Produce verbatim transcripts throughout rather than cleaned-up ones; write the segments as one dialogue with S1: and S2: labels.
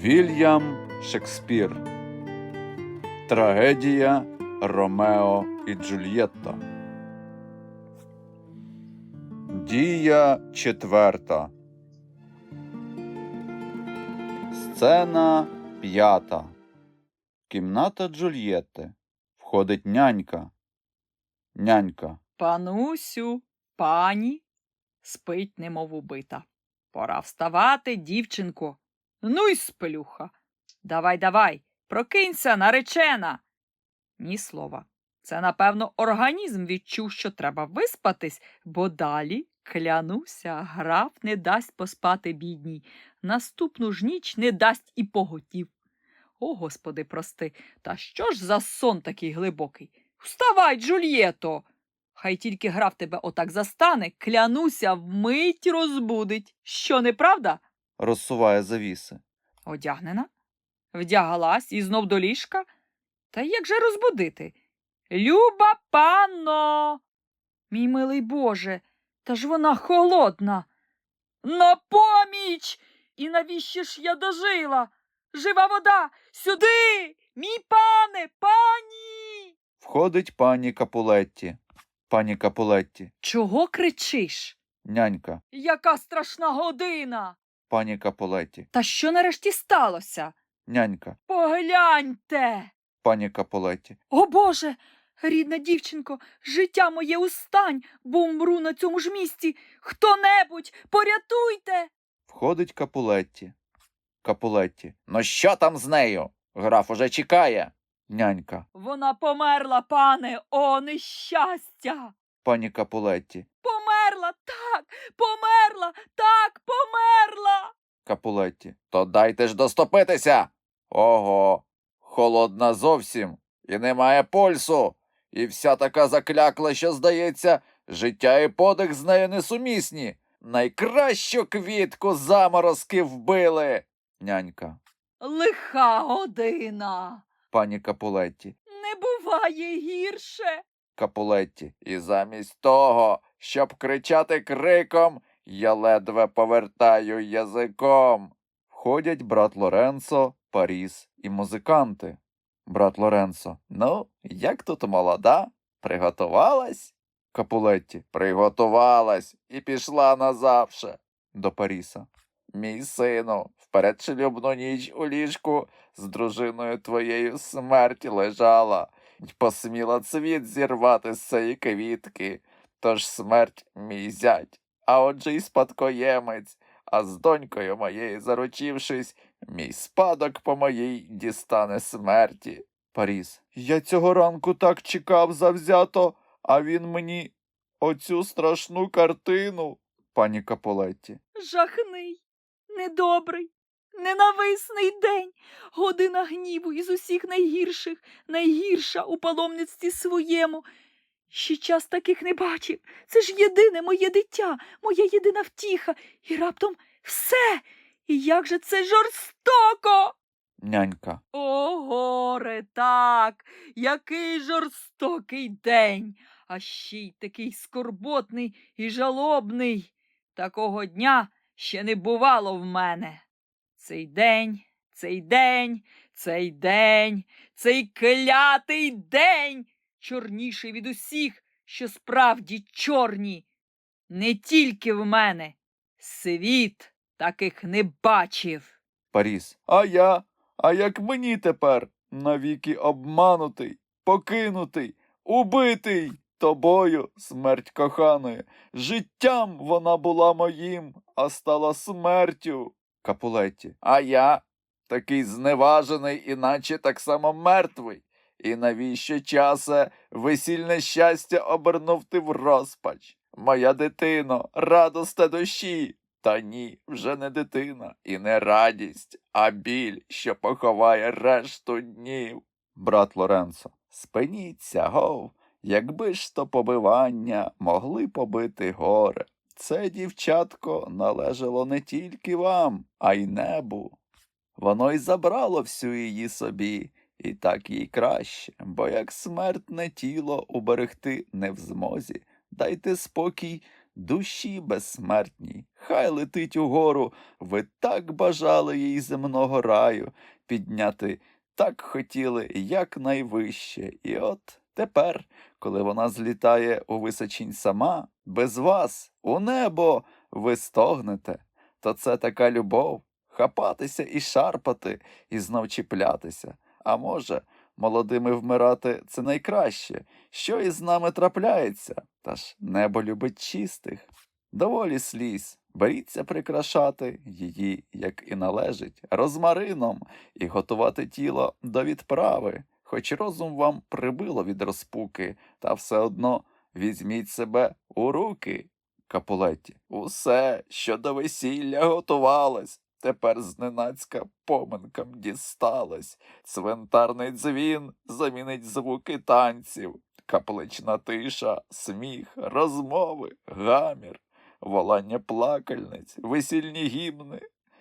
S1: Вільям Шекспір. Трагедія Ромео і Джульєтта. Дія четверта. Сцена п'ята. Кімната Джульєтти. Входить нянька. Нянька.
S2: Панусю, пані, спить, немов убита. Пора вставати, дівчинко. Ну й сплюха. Давай, давай, прокинься, наречена. Ні слова. Це, напевно, організм відчув, що треба виспатись, бо далі, клянуся, граф не дасть поспати бідній. Наступну ж ніч не дасть і поготів. О, Господи, прости, та що ж за сон такий глибокий? Вставай, Джульєто! Хай тільки граф тебе отак застане, клянуся, вмить розбудить. Що, неправда?
S1: Розсуває завіси.
S2: Одягнена? Вдягалась і знов до ліжка? Та як же розбудити? Люба панно! Мій милий Боже, та ж вона холодна. На поміч! І навіщо ж я дожила? Жива вода! Сюди! Мій пане! Пані!
S1: Входить пані Капулетті. Пані Капулетті.
S2: Чого кричиш?
S1: Нянька.
S2: Яка страшна година!
S1: Пані Капулетті.
S2: Та що нарешті сталося?
S1: Нянька.
S2: Погляньте!
S1: Пані Капулетті.
S2: О, Боже! Рідна дівчинко, життя моє устань, бо умру на цьому ж місці. Хто-небудь, порятуйте!
S1: Входить Капулетті. Капулетті. Ну що там з нею? Граф уже чекає. Нянька.
S2: Вона померла, пане, о, нещастя!
S1: Пані Капулетті.
S2: Померла, так, померла, так, померла!
S1: Капулетті. То дайте ж доступитися. Ого, холодна зовсім. І немає пульсу. І вся така заклякла, що, здається, життя і подих з нею несумісні. Найкращу квітку заморозки вбили. Нянька.
S2: Лиха година!
S1: Пані Капулетті.
S2: Не буває гірше.
S1: Капулетті. І замість того, щоб кричати криком, я ледве повертаю язиком. Входять брат Лоренцо, Паріс і музиканти. Брат Лоренцо. Ну, як тут молода? Приготувалась? Капулетті. Приготувалась і пішла назавше. До Паріса. Мій сину, в передшлюбну ніч у ліжку з дружиною твоєю смерть лежала, й посміла цвіт зірвати з цієї квітки. Тож смерть мій зять, а отже й спадкоємець, а з донькою моєю заручившись, мій спадок по моїй дістане смерті. Паріс. Я цього ранку так чекав завзято, а він мені оцю страшну картину. Пані Капулетті.
S2: Жахний, недобрий, ненависний день, година гніву із усіх найгірших, найгірша у паломництві своєму. Ще час таких не бачив. Це ж єдине моє дитя, моя єдина втіха. І раптом все. І як же це жорстоко!
S1: Нянька.
S2: О, горе, так, який жорстокий день, а ще й такий скорботний і жалобний. Такого дня ще не бувало в мене. Цей день, цей день, цей день, цей клятий день, чорніший від усіх, що справді чорні. Не тільки в мене. Світ таких не бачив.
S1: Паріс. А я? А як мені тепер? Навіки обманутий, покинутий, убитий тобою, смерть коханої. Життям вона була моїм, а стала смертю. Капулетті. А я? Такий зневажений, іначе так само мертвий. І навіщо часе весільне щастя обернув ти в розпач? Моя дитино, радосте душі. Та ні, вже не дитина і не радість, а біль, що поховає решту днів. Брат Лоренцо. Спиніться, гов, якби ж то побивання могли побити горе. Це, дівчатко, належало не тільки вам, а й небу. Воно й забрало всю її собі, і так їй краще, бо як смертне тіло уберегти не в змозі. Дайте спокій душі безсмертній, хай летить угору, ви так бажали їй земного раю підняти, так хотіли якнайвище. І от тепер, коли вона злітає у височінь сама, без вас, у небо, ви стогнете, то це така любов, хапатися і шарпати, і знов чіплятися. А може, молодими вмирати – це найкраще, що із нами трапляється, та ж небо любить чистих. Доволі сліз, беріться прикрашати її, як і належить, розмарином і готувати тіло до відправи, хоч розум вам прибило від розпуки, та все одно візьміть себе у руки. Капулетті. Усе, що до весілля готувалось, тепер зненацька поминкам дісталось. Цвинтарний дзвін замінить звуки танців, каплична тиша, сміх, розмови, гамір, волання плакальниць, весільні гімни.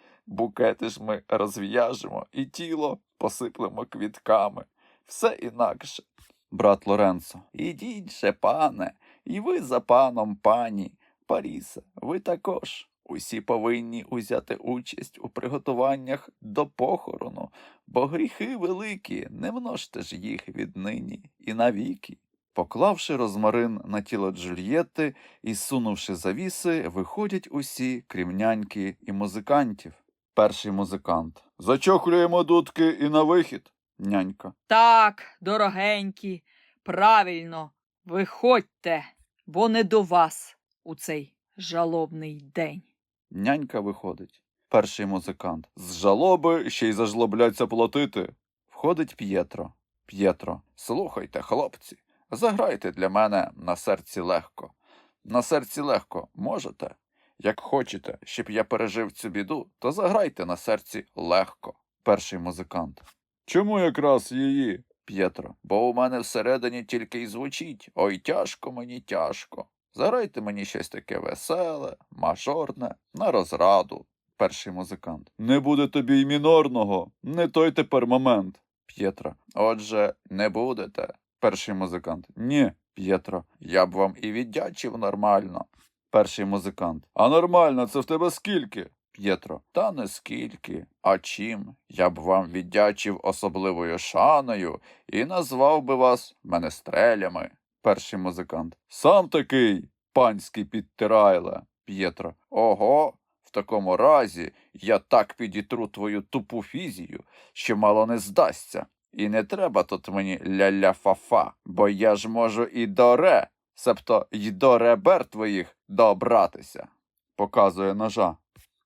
S1: Букети ж ми розв'яжемо і тіло посиплемо квітками. Все інакше. Брат Лоренцо. Ідіть же, пане, і ви за паном, пані. Парісе, ви також. Усі повинні узяти участь у приготуваннях до похорону, бо гріхи великі, не множте ж їх віднині і навіки. Поклавши розмарин на тіло Джульєтти і сунувши завіси, виходять усі, крім няньки і музикантів. Перший музикант. Зачохлюємо дудки і на вихід. Нянька.
S2: Так, дорогенькі, правильно, виходьте, бо не до вас у цей жалобний день.
S1: Нянька виходить. Перший музикант. З жалоби ще й зажлобляться платити. Входить П'єтро. П'єтро. Слухайте, хлопці, заграйте для мене на серці легко. На серці легко можете? Як хочете, щоб я пережив цю біду, то заграйте на серці легко. Перший музикант. Чому якраз її? П'єтро. Бо у мене всередині тільки й звучить. Ой, тяжко мені, тяжко. Заграйте мені щось таке веселе, мажорне, на розраду. Перший музикант. Не буде тобі й мінорного, не той тепер момент. П'єтро. Отже, не будете. Перший музикант. Ні. П'єтро. Я б вам і віддячив нормально. Перший музикант. А нормально, це в тебе скільки? П'єтро. Та не скільки, а чим? Я б вам віддячив особливою шаною і назвав би вас менестрелями. Перший музикант. Сам такий, панський підтирайле. П'єтро. Ого, в такому разі я так підітру твою тупу фізію, що мало не здасться. І не треба тут мені ля-ля-фа-фа, бо я ж можу і до ре, себто й до ребер твоїх добратися. Показує ножа.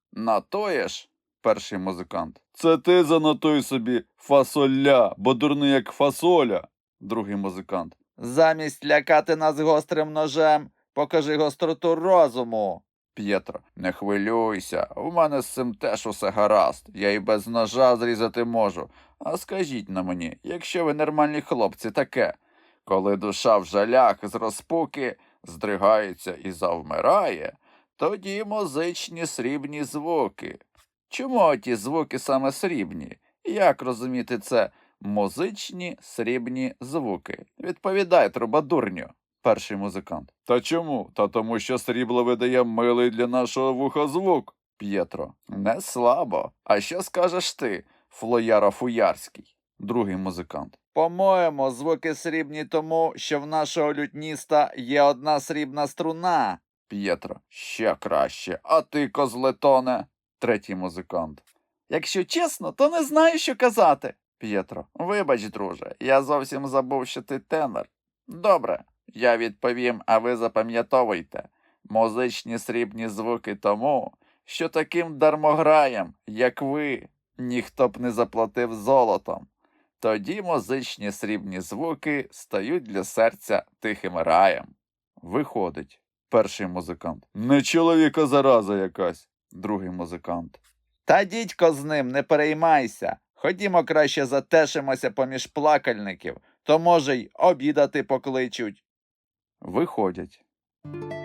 S1: Натоєш? Перший музикант. Це ти занотуй собі фасоля, бо дурний як фасоля. Другий музикант. Замість лякати нас гострим ножем, покажи гостроту розуму. П'єтро. Не хвилюйся, у мене з цим теж усе гаразд, я й без ножа зрізати можу. А скажіть на мені, якщо ви нормальні хлопці, таке, коли душа в жалях з розпуки здригається і завмирає, тоді музичні срібні звуки. Чому ті звуки саме срібні? Як розуміти це? Музичні срібні звуки. Відповідай, трубадурню. Перший музикант. Та чому? Та тому, що срібло видає милий для нашого вуха звук. П'єтро. Не слабо. А що скажеш ти, флояро Фуярський? Другий музикант. По-моєму, звуки срібні тому, що в нашого лютніста є одна срібна струна. П'єтро. Ще краще. А ти, козлетоне? Третій музикант. Якщо чесно, то не знаю, що казати. П'єтро. Вибач, друже, я зовсім забув, що ти тенор. Добре, я відповім, а ви запам'ятовуйте. Музичні срібні звуки тому, що таким дармограєм, як ви, ніхто б не заплатив золотом. Тоді музичні срібні звуки стають для серця тихим раєм. Виходить. Перший музикант. Не чоловіка зараза якась. Другий музикант. Та дідько з ним, не переймайся. Ходімо краще затешимося поміж плакальників, то, може, й обідати покличуть. Виходять.